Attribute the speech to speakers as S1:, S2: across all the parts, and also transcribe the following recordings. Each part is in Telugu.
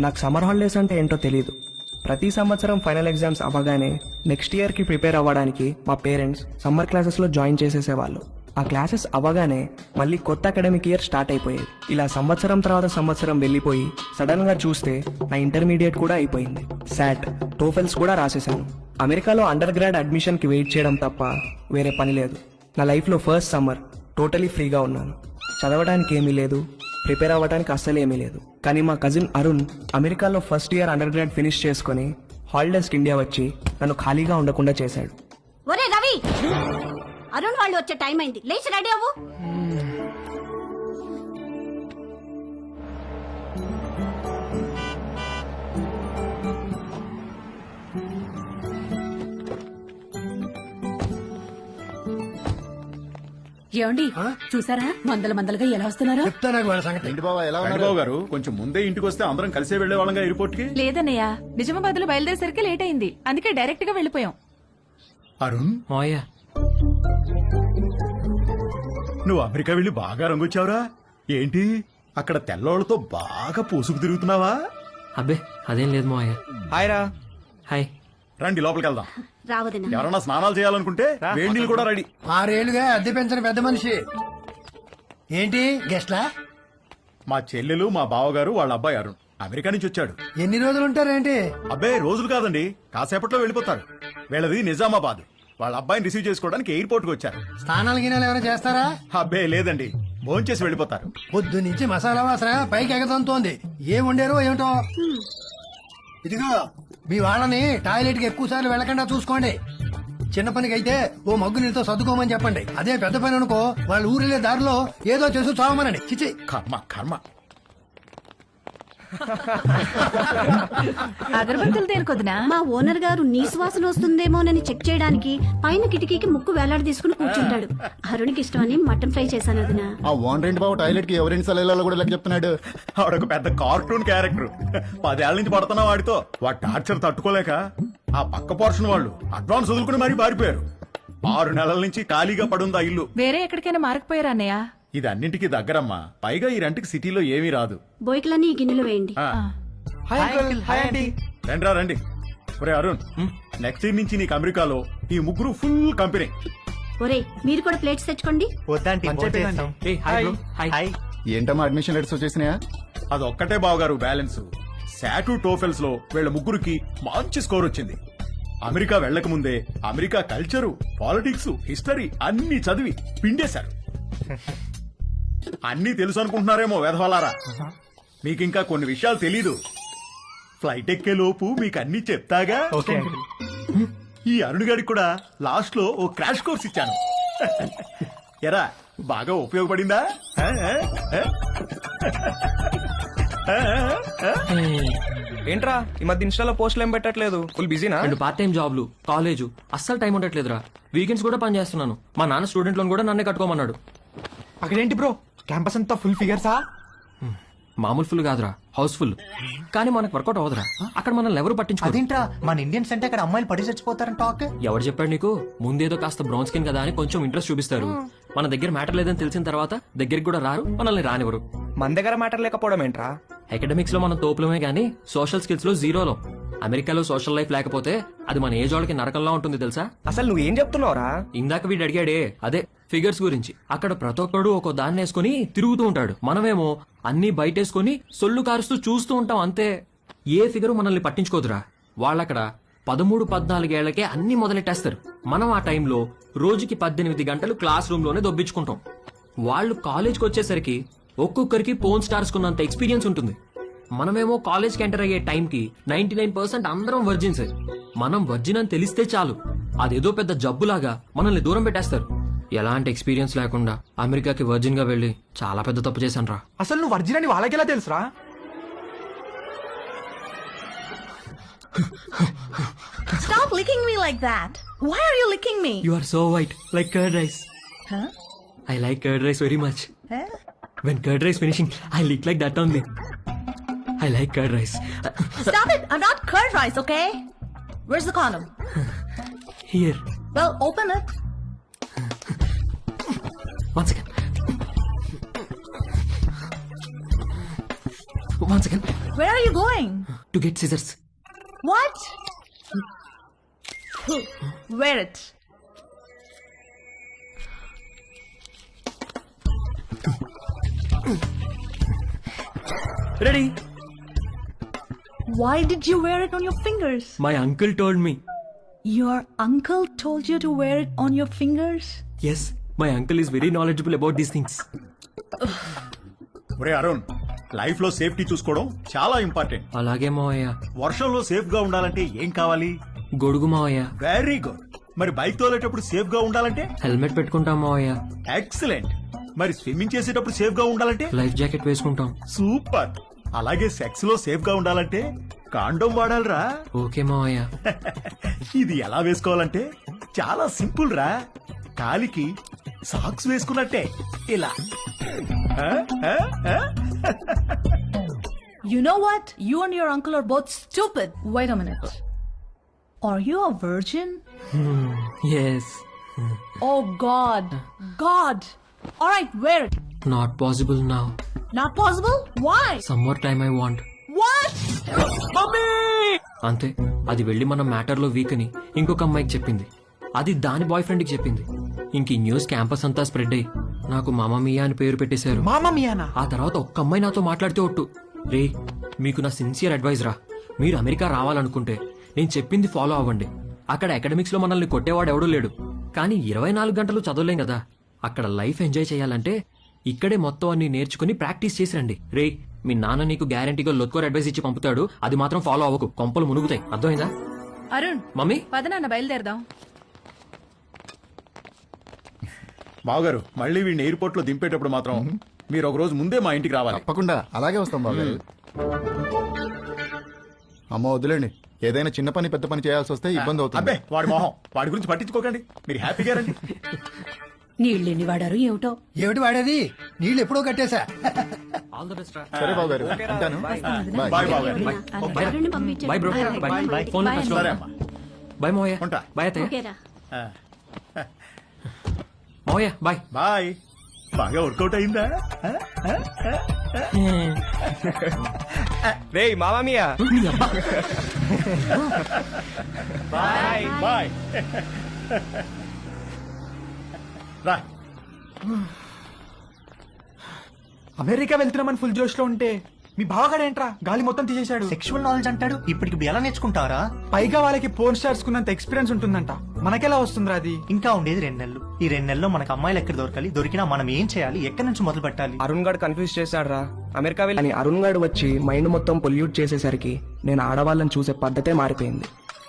S1: నాకు సమ్మర్ హాలిడేస్ అంటే ఏంటో తెలియదు. ప్రతి సంవత్సరం ఫైనల్ ఎగ్జామ్స్ అవ్వగానే నెక్స్ట్ ఇయర్కి ప్రిపేర్ అవ్వడానికి మా పేరెంట్స్ సమ్మర్ క్లాసెస్లో జాయిన్ చేసేసేవాళ్ళు. ఆ క్లాసెస్ అవ్వగానే మళ్ళీ కొత్త అకాడమిక్ ఇయర్ స్టార్ట్ అయిపోయేది. ఇలా సంవత్సరం తర్వాత సంవత్సరం వెళ్ళిపోయి సడన్గా చూస్తే నా ఇంటర్మీడియట్ కూడా అయిపోయింది. శాట్, టోఫెల్స్ కూడా రాసేసాను. అమెరికాలో అండర్ గ్రాడ్ అడ్మిషన్కి వెయిట్ చేయడం తప్ప వేరే పని లేదు. నా లైఫ్లో ఫస్ట్ సమ్మర్ టోటలీ ఫ్రీగా ఉన్నాను. చదవడానికి ఏమీ లేదు, ప్రిపేర్ అవ్వడానికి అస్సలు ఏమీ లేదు. కానీ మా కజిన్ అరుణ్ అమెరికాలో first year under grad finish చేసుకుని హాలిడేస్కి ఇండియా వచ్చి నన్ను ఖాళీగా ఉండకుండా చేశాడు.
S2: ఒరే రవి, అరుణ్ వాళ్ళు వచ్చే టైం అయింది, లేచి రెడీ అవ్వు.
S3: ఏమండి చూసారా మందల మందలుగా ఎలా వస్తున్నారా?
S4: చెప్తా నాకు వాళ్ళ సంగతి.
S5: ఏంటి బాబా ఎలా ఉన్నారు?
S6: బాబు గారు కొంచెం ముందే ఇంటికి వస్తే అందరం కలిసే వెళ్లే వాళ్ళంగా ఎయిర్పోర్ట్ కి.
S3: లేదన్నయ్య, నిజామాబాద్ లో బయలుదేరేసరికి లేట్ అయింది, అందుకే డైరెక్ట్ గా వెళ్ళిపోయాం.
S6: అరుణ్,
S1: మాయా,
S6: నువ్వు అమెరికా వెళ్లి బాగా రంగొచ్చావురా. ఏంటి అక్కడ తెల్లోళ్ళతో బాగా పూసుకు తిరుగుతున్నావా?
S7: అబ్బే అదేం లేదు మావయ్య.
S1: హాయ్ రా.
S7: హాయ్.
S6: రండి లోపలికి వెళ్దాం.
S2: రావదనా
S6: ఎవరన్నా స్నానాలు చేయాలనుకుంటే వేడి నీళ్ళు కూడా రెడీ.
S4: 6 ఏళ్లుగా అద్దె పెంచని పెద్ద మనిషి. ఏంటి గెస్ట్లా?
S6: మా చెల్లెలు, మా బావగారు, వాళ్ళ అబ్బాయి అరుణ్ అమెరికా నుంచి వచ్చాడు.
S4: ఎన్ని రోజులు ఉంటారేంటి?
S6: అబ్బాయి రోజులు కాదండి, కాసేపట్లో వెళ్ళిపోతారు. వీళ్ళది నిజామాబాద్. వాళ్ళ అబ్బాయిని రిసీవ్ చేసుకోవడానికి ఎయిర్పోర్ట్ కి వచ్చారు.
S4: స్నానాలు గినాలు ఏమైనా చేస్తారా?
S6: అబ్బాయి లేదండి, భోంచేసి వెళ్ళిపోతారు.
S4: పొద్దు నుంచి మసాలా వాసన పైకి ఎగతంతోంది. ఏం వండారో ఏమిటో. ఇదిగో మీ వాళ్ళని టాయిలెట్ కి ఎక్కువ సార్లు వెళ్ళకుండా చూసుకోండి. చిన్న పనికి అయితే ఓ మగ్గు నీళ్ళతో సర్దుకోమని చెప్పండి. అదే పెద్ద పని అనుకో వాళ్ళ ఊరిలే దారిలో ఏదో చేసి చావమనండి. చిచి
S6: కర్మ కర్మ.
S3: అగరబత్తులు దేనికొద్దునా?
S2: మా ఓనర్ గారు నీ సువాసన వస్తుందేమోనని చెక్ చేయడానికి పైన కిటికీకి ముక్కు వేలాడి తీసుకుని కూర్చుంటాడు. అరుణ్కి ఇష్టమని మటన్ ఫ్రై చేశాను వదినా.
S5: ఆ ఓన్ రెంట్ బాబు టాయిలెట్ కి ఎవరిని సెలవులలో కూడా లెక్క చెప్తున్నాడు.
S6: ఆవిడొక పెద్ద కార్టూన్ క్యారెక్టర్. 10 ఏళ్ల నుంచి పడుతున్నా వాడితో. వాడి టార్చర్ తట్టుకోలేక ఆ పక్క పోర్షన్ వాళ్ళు అడ్వాన్స్ వదులుకుని మరీ పారిపోయారు. 6 నెలల నుంచి ఖాళీగా పడుంది ఆ ఇల్లు.
S3: వేరే ఎక్కడికైనా మారకపోయారా అన్నయ్య?
S6: ఇది అన్నింటికి దగ్గరమ్మా. పైగా ఈ రెంట్కి సిటీలో ఏమీ రాదు.
S2: బోయికలన్నీ ఈ గిన్నెలు వేయండి.
S6: ఆ, రండిరా రండి. ఒరే అరుణ్, నెక్స్ట్ ఇయర్ నుంచి నీకు అమెరికాలో ఈ ముగ్గురు ఫుల్ కంపెనీ.
S2: ఒరే మీరు కూడా ప్లేట్స్ తెచ్చుకోండి.
S7: ఏయ్, హాయ్ బ్రో. హాయ్.
S5: ఏంటమ్మా అడ్మిషన్ లెటర్స్ వచ్చేసినాయా?
S6: అదొక్కటే బావగారు బ్యాలెన్స్. శాటు టోఫెల్స్ లో వీళ్ళ ముగ్గురికి మంచి స్కోర్ వచ్చింది. అమెరికా వెళ్లక ముందే అమెరికా కల్చరు, పాలిటిక్స్, హిస్టరీ అన్ని చదివి పిండేశారు. అన్నీ తెలుసు అనుకుంటున్నారేమో వెధవలారా. మీకింకా కొన్ని విషయాలు తెలీదు. ఫ్లైట్ ఎక్కే లోపు మీకు అన్ని చెప్తాగా. ఈ అరుణ్ గారికి కూడా లాస్ట్ లో ఓ క్రాష్ కోర్స్ ఇచ్చాను. ఎరా బాగా ఉపయోగపడిందా?
S1: ఏంట్రా ఈ మధ్య ఇన్స్టాలో పోస్టులు ఏం పెట్టట్లేదు? ఫుల్ బిజీనా?
S7: 2 పార్ట్ టైం జాబ్లు, కాలేజు, అస్సలు టైం ఉండట్లేదురా. వీకెండ్స్ కూడా పని చేస్తున్నాను. మా నాన్న స్టూడెంట్ లోన్ కూడా నన్నే కట్టుకోమన్నాడు.
S8: అక్కడేంటి బ్రో క్యాంపస్ అంతా ఫుల్ ఫిగర్సా?
S7: మామూలు ఫుల్ కాదురా, హౌస్ ఫుల్. కానీ మనకు వర్కౌట్ అవదురా. అక్కడ మనల్ని ఎవరు పట్టించుకోరు.
S8: అదేంట్రా మన ఇండియన్స్ అంటే అక్కడ అమ్మాయిలు పడి చచ్చిపోతారని టాక్.
S7: ఎవరు చెప్పాడు నీకు? ముందేదో కాస్త బ్రౌన్ స్కిన్ కదా అని కొంచెం ఇంట్రెస్ట్ చూపిస్తారు. మన దగ్గర మ్యాటర్ లేదని తెలిసిన తర్వాత దగ్గరికి కూడా రారు, మనల్ని రానివ్వరు.
S1: మన దగ్గర మ్యాటర్ లేకపోవడం ఏంట్రా?
S7: అకాడమిక్స్ లో మనం తోపులమే గానీ సోషల్ స్కిల్స్ లో జీరోలో. అమెరికాలో సోషల్ లైఫ్ లేకపోతే అది మన ఏజ్ వాళ్ళకి నరకంలా ఉంటుంది తెలుసా?
S1: అసలు నువ్వేం చెప్తున్నావురా?
S7: ఇందాక వీడు అడిగాడే అదే ఫిగర్స్ గురించి. అక్కడ ప్రతి ఒక్కడు ఒక్కో దాన్ని వేసుకుని తిరుగుతూ ఉంటాడు. మనమేమో అన్ని బయటేసుకుని సొల్లు కారుస్తూ చూస్తూ ఉంటాం అంతే. ఏ ఫిగరు మనల్ని పట్టించుకోదురా. వాళ్ళక్కడ 13-14 ఏళ్లకే అన్ని మొదలెట్టేస్తారు. మనం ఆ టైంలో రోజుకి 18 గంటలు క్లాస్ రూమ్ లోనే దొబ్బించుకుంటాం. వాళ్ళు కాలేజ్కి వచ్చేసరికి ఒక్కొక్కరికి పోన్ స్టార్స్ కున్నంత ఎక్స్పీరియన్స్ ఉంటుంది. మనమేమో కాలేజ్కి ఎంటర్ అయ్యే టైంకి 99% అందరం వర్జిన్స్. మనం వర్జిన్ అని తెలిస్తే చాలు, అదేదో పెద్ద జబ్బులాగా మనల్ని దూరం పెట్టేస్తారు. ఎలాంటి ఎక్స్పీరియన్స్ లేకుండా అమెరికాకి వర్జిన్ గా వెళ్లి చాలా పెద్ద తప్పు చేశాను రా.
S8: అసలు నువ్వు వర్జిన్ అని వాళ్ళకెలా తెలుసురా?
S9: Stop licking me like that. Why are you licking me?
S7: You are so white, like curd rice.
S9: Huh?
S7: I like curd rice very much.
S9: Huh?
S7: When curd rice finishing, I lick like that only. I like curd rice.
S9: Stop it. I'm not curd rice, okay? Where's the condom?
S7: Here.
S9: Well, open it.
S7: One second. One second
S9: Where are you going?
S7: To get scissors.
S9: What? Wear it.
S7: Ready.
S9: Why did you wear it on your fingers?
S7: My uncle told me.
S9: Your uncle told you to wear it on your fingers?
S7: Yes, my uncle is very knowledgeable about these things.
S6: ఒరే అరుణ్, లైఫ్ లో సేఫ్టీ చూసుకోవడం చాలా ఇంపార్టెంట్.
S7: అలాగే మావయ్య.
S6: వర్షంలో సేఫ్ గా ఉండాలంటే ఏం కావాలి?
S7: గొడుగు మావయ్య.
S6: Very good. మరి బైక్ తోలేటప్పుడు సేఫ్ గా ఉండాలంటే?
S7: హెల్మెట్ పెట్టుకుంటాం మావయ్య.
S6: ఎక్సలెంట్. మరి స్విమ్మింగ్ చేసేటప్పుడు సేఫ్ గా ఉండాలంటే?
S7: లైఫ్ జాకెట్ వేసుకుంటాం.
S6: సూపర్. అలాగే సెక్స్ లో సేఫ్ గా ఉండాలంటే కాండోమ్ వాడాలిరా.
S7: ఓకే మావయ్య.
S6: ఇది ఎలా వేసుకోవాలంటే చాలా సింపుల్ రా. కాలికి సాక్స్ వేసుకున్నట్టే ఇలా. ఆ? ఆ? ఆ?
S9: You know what? You and your uncle are both stupid. Wait a minute. Are you a virgin?
S7: Yes.
S9: Oh God. God. Alright, wear it.
S7: Not possible now.
S9: Not possible? Why?
S7: Some more time I want.
S9: What?
S7: అంతే. అది వెళ్ళి మన మ్యాటర్ లో వీక్ అని ఇంకొక అమ్మాయికి చెప్పింది. అది దాని బాయ్ ఫ్రెండ్ కి చెప్పింది. ఇంక ఈ న్యూస్ క్యాంపస్ అంతా స్ప్రెడ్ అయ్యి నాకు మామా మియా అని పేరు పెట్టేశారు.
S8: మామా మియానా?
S7: ఆ తర్వాత ఒక్క అమ్మాయి నాతో మాట్లాడితే ఒట్టు, రే మీకు నా సిన్సియర్ అడ్వైజ్ రా, మీరు అమెరికా రావాలనుకుంటే నేను చెప్పింది ఫాలో అవ్వండి. అక్కడ అకాడమిక్స్ లో మనల్ని కొట్టేవాడు ఎవడూ లేడు, కానీ 24 గంటలు చదవలేం కదా. అక్కడ లైఫ్ ఎంజాయ్ చేయాలంటే ఇక్కడే మొత్తం అన్ని నేర్చుకుని ప్రాక్టీస్ చేసి రండి. రే మీ నాన్న నీకు గ్యారంటీగా లొత్కోర్ అడ్వైస్ ఇచ్చి పంపుతాడు, అది మాత్రం ఫాలో అవ్వకు, కొంపలు మునుగుతాయి. అర్థమైందా?
S3: అరుణ్,
S7: మమ్మీ
S3: పద నాన్న బయలుదేరదాం.
S6: బావగారు, మళ్ళీ వీడిని ఎయిర్పోర్ట్ లో దింపేటప్పుడు మాత్రం మీరు ఒక రోజు ముందే మా ఇంటికి రావాలి.
S5: తప్పకుండా అలాగే వస్తాం బాబు. అమ్మ వదిలేండి, ఏదైనా చిన్న పని పెద్ద పని చేయాల్సి వస్తే ఇబ్బంది అవుతుంది.
S6: అబ్బే వాడి మొహం, వాడి గురించి పట్టించుకోకండి, మీరు హ్యాపీగా రండి.
S2: నీళ్ళెన్ని వాడారు ఏమిటో.
S4: ఏమిటి వాడేది? నీళ్ళు ఎప్పుడో కట్టేశా.
S7: ఆల్ ద బెస్ట్ రా.
S5: సరే బాబు గారు, ఉంటాను.
S6: బాయ్ బావగారు.
S2: అరుణ్ని పంపించండి.
S7: Bye bro. Bye. Phone
S2: Bye.
S6: సరే అమ్మా.
S7: బై మావయ్య.
S6: ఉంటా.
S7: బై అత్తయ్య.
S2: ఓకేరా.
S6: ఆ,
S7: మావయ్య బాయ్.
S6: బాయ్. బాగా వర్కౌట్ అయిందా?
S1: రే మామా మియా.
S6: Bye bye. రా.
S8: అమెరికా వెళ్తున్నామని ఫుల్ జోష్ లో ఉంటే మీ బావగాడేంట్రా గాలి మొత్తం తీసేశాడు.
S10: సెక్షువల్ నాలెడ్జ్ అంటాడు. ఇప్పటికి ఎలా నేర్చుకుంటారా?
S8: పైగా వాళ్ళకి పోర్న్ స్టార్స్ కున్నంత ఎక్స్పీరియన్స్ ఉంటుందంట. మనకెలా వస్తుందిరా అది?
S10: ఇంకా ఉండేది 2 నెలలు. ఈ 2 నెలల్లో మనకు అమ్మాయిలు ఎక్కడ దొరకాలి, దొరికినా మనం ఏం చేయాలి, ఎక్కడి నుంచి మొదలు పెట్టాలి?
S1: అరుణ్ గాడు కన్ఫ్యూజ్ చేశాడు రా. అమెరికా వెళ్ళి అని అరుణ్ గాడు వచ్చి మైండ్ మొత్తం పొల్యూట్ చేసేసరికి నేను ఆడవాళ్ళని చూసే పద్ధతే మారిపోయింది.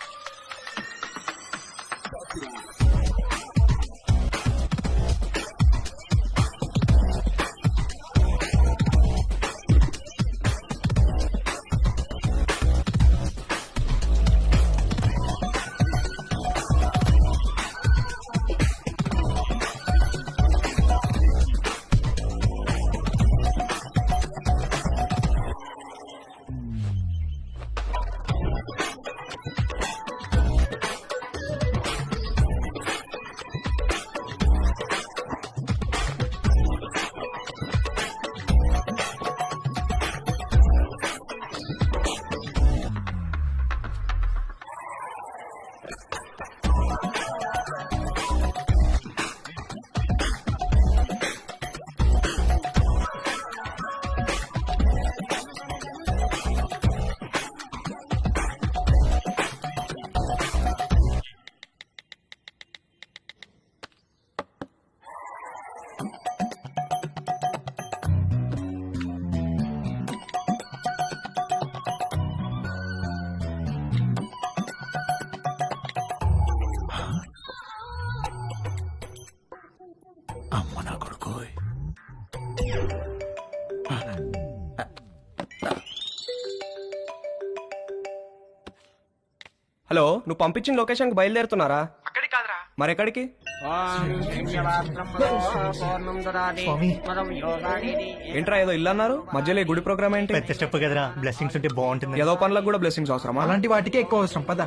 S6: అమ్మ నా కొడుకు.
S1: హలో, నువ్వు పంపించిన లొకేషన్ కి బయలుదేరుతున్నారా?
S8: అక్కడికి కాదురా.
S1: మరెక్కడికి?
S10: స్వామి,
S1: ఏంట్రా ఏదో ఇల్లు అన్నారు, మధ్యలో ఈ గుడి ప్రోగ్రామ్ ఏంటి?
S10: పెద్ద స్టెప్ కదరా, బ్లెస్సింగ్స్ ఉంటే బాగుంటుంది.
S1: ఏదో పనులకు కూడా బ్లెస్సింగ్స్ అవసరమా?
S8: అలాంటి వాటికే ఎక్కువ అవసరం. పద.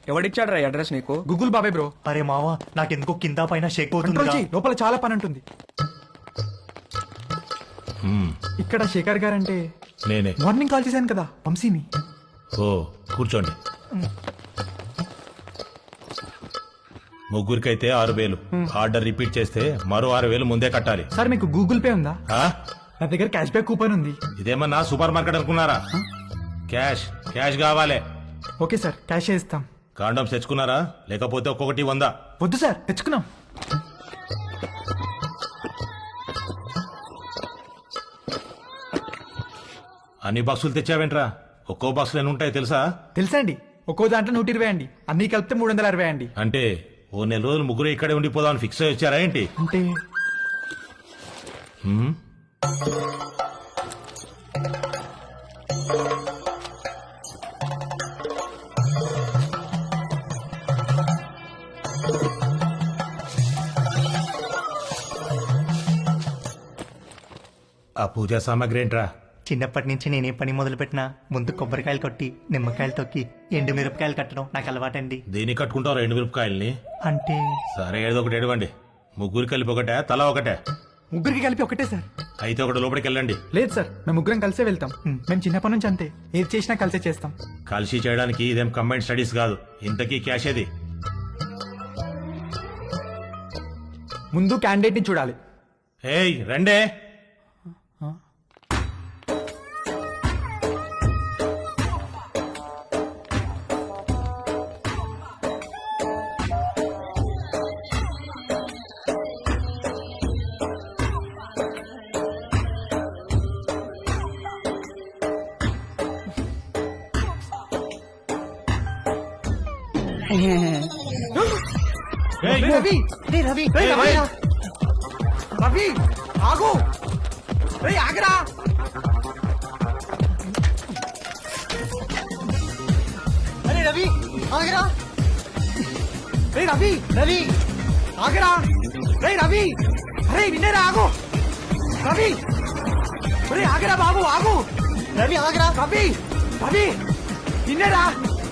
S1: ఎవడిచ్చాడు రా అడ్రస్ నీకు?
S8: గూగుల్ బాబాయ్ బ్రో.
S10: అరే మావా నాకెందుకో కింద పైన షేక్
S8: కంట్రోల్
S10: అవుతుంది
S8: చెయ్యి, లోపల చాలా పని ఉంటుంది. ఇక్కడ శేఖర్ గారంటే
S11: నేనే.
S8: మార్నింగ్ కాల్ చేశాను కదా వంశీని.
S11: ఓ కూర్చోండి. ముగ్గురికైతే 6,000. ఆర్డర్ రిపీట్ చేస్తే మరో 6,000 ముందే కట్టాలి.
S8: సార్ మీకు గూగుల్ పే ఉందా?
S11: ఆ?
S8: నా దగ్గర క్యాష్ బ్యాక్ కూపన్ ఉంది.
S11: ఇదేమన్నా సూపర్ మార్కెట్ అనుకున్నారా? క్యాష్ క్యాష్ కావాలి.
S8: ఓకే సార్, క్యాష్ ఇస్తాం.
S11: కాండమ్స్ తెచ్చుకున్నారా? లేకపోతే ఒక్కొక్కటి 100.
S8: వద్దు సార్, తెచ్చుకున్నాం.
S11: అన్ని బాక్సులు తెచ్చావేంట్రా? ఒక్కో బాక్సులు ఎన్ని ఉంటాయి తెలుసా?
S8: తెలుసా అండి, ఒక్కో దాంట్లో 120 అండి, అన్ని కలిపితే 360 అండి.
S11: అంటే ఓ నెల రోజులు ముగ్గురు ఇక్కడే ఉండిపోదామని ఫిక్స్ అయ్యి వచ్చారా ఏంటి?
S8: అంటే
S11: హ్మ్? ఆ పూజా సామాగ్రి ఏంట్రా?
S10: చిన్నప్పటి నుంచి నేనే పని మొదలు పెట్టినా ముందు కొబ్బరికాయలు కొట్టి నిమ్మకాయలు తొక్కి ఎండు మిరపకాయలు కట్టడం నాకు అలవాటండి.
S11: దేనికి కట్టుకుంటావు 2 మిరపకాయల్ని?
S10: అంటే
S11: సరే ఏదో ఒకటి ఎడవండి. ముగ్గురు కలిపి ఒకటే, తల ఒకటే?
S8: ముగ్గురికి కలిపి ఒకటే సార్.
S11: అయితే ఒకటి లోపలికి వెళ్ళండి.
S8: లేదు సార్, మేము ముగ్గురం కలిసే వెళ్తాం. మేము చిన్నప్పటి నుంచి అంతే, ఏది చేసినా కలిసే చేస్తాం.
S11: కలిసి చేయడానికి ఇదేం కంబైన్డ్ స్టడీస్ కాదు. ఇంతకీ క్యాష్ ఏది?
S8: ముందు క్యాండిడేట్ ని చూడాలి.
S11: ఏయ్ రండే. ఏయ్,
S8: రవి,
S10: రవి
S8: రవి ఆగు, రేయ్ ఆగరా.
S10: అరే రవి ఆగరా.
S8: రేయ్ రవి,
S10: రవి
S8: ఆగరా. రేయ్ రవి, అరే వినేరా, ఆగు. రవి, రేయ్ ఆగరా బాబు, ఆగు.
S10: రవి ఆగరా.
S8: రవి, రవి వినేరా.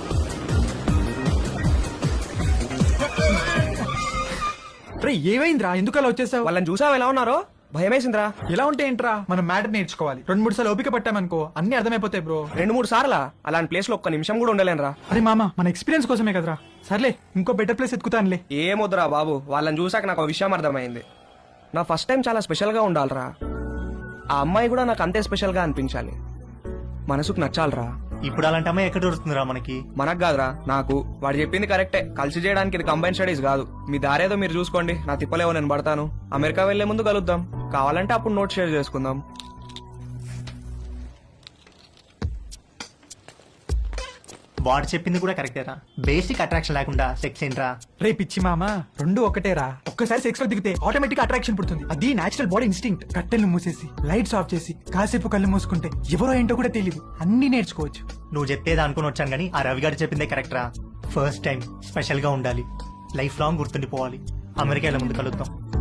S8: రే ఏమైందిరా, ఎందుకు అలా వచ్చేసావు?
S1: వాళ్ళని చూసావు ఎలా ఉన్నారో? భయమేసిందిరా.
S8: ఎలా ఉంటే ఏంట్రా, మనం మ్యాటర్ నేర్చుకోవాలి. 2-3 సార్లు ఓపిక పట్టామనుకో అన్ని అర్థమైపోతాయి బ్రో.
S1: 2-3 సార్లా? అలాంటి ప్లేస్ లో ఒక్క నిమిషం కూడా ఉండలేనురా.
S8: అరే మామ, మన ఎక్స్పీరియన్స్ కోసమే కదరా. సర్లే, ఇంకో బెటర్ ప్లేస్ ఎత్తుకుతానులే.
S1: ఏమొద్దురా బాబు, వాళ్ళని చూసాక నాకు ఒక విషయం అర్థమైంది. నా ఫస్ట్ టైం చాలా స్పెషల్ గా ఉండాలిరా. ఆ అమ్మాయి కూడా నాకు అంతే స్పెషల్ గా అనిపించాలి. మనసుకు నచ్చాలిరా.
S10: ఇప్పుడు అలాంటి అమ్మాయి ఎక్కడ దొరుకుతుందిరా మనకి?
S1: మనకు కాదురా, నాకు. వాడు చెప్పింది కరెక్టే, కలిసి చేయడానికి ఇది కంబైన్ స్టడీస్ కాదు. మీ దారేదో మీరు చూసుకోండి, నా తిప్పలేవో నేను పడతాను. అమెరికా వెళ్లే ముందు కలుద్దాం, కావాలంటే అప్పుడు నోట్ షేర్ చేసుకుందాం.
S10: వాడు చెప్పింది కూడా కరెక్టేరా. బేసిక్ అట్రాక్షన్ లేకుండా సెక్స్ ఏంట్రా?
S8: రే పిచ్చి మామ, 2 ఒకటేరా. ఒక్కసారి సెక్స్ లో దిగితే ఆటోమేటిక్ అట్రాక్షన్ పుడుతుంది. అది నేచురల్ బాడీ ఇన్స్టింక్ట్. కట్టెలు మూసేసి లైట్స్ ఆఫ్ చేసి కాసేపు కళ్ళు మూసుకుంటే ఎవరో ఏంటో కూడా తెలియదు, అన్ని నేర్చుకోవచ్చు.
S10: నువ్వు చెప్పేది అనుకుని వచ్చాను కానీ ఆ రవి గారు చెప్పిందే కరెక్టరా. ఫస్ట్ టైం స్పెషల్ గా ఉండాలి, లైఫ్ లాంగ్ గుర్తుండిపోవాలి. అమెరికా ముందు కలుద్దాం.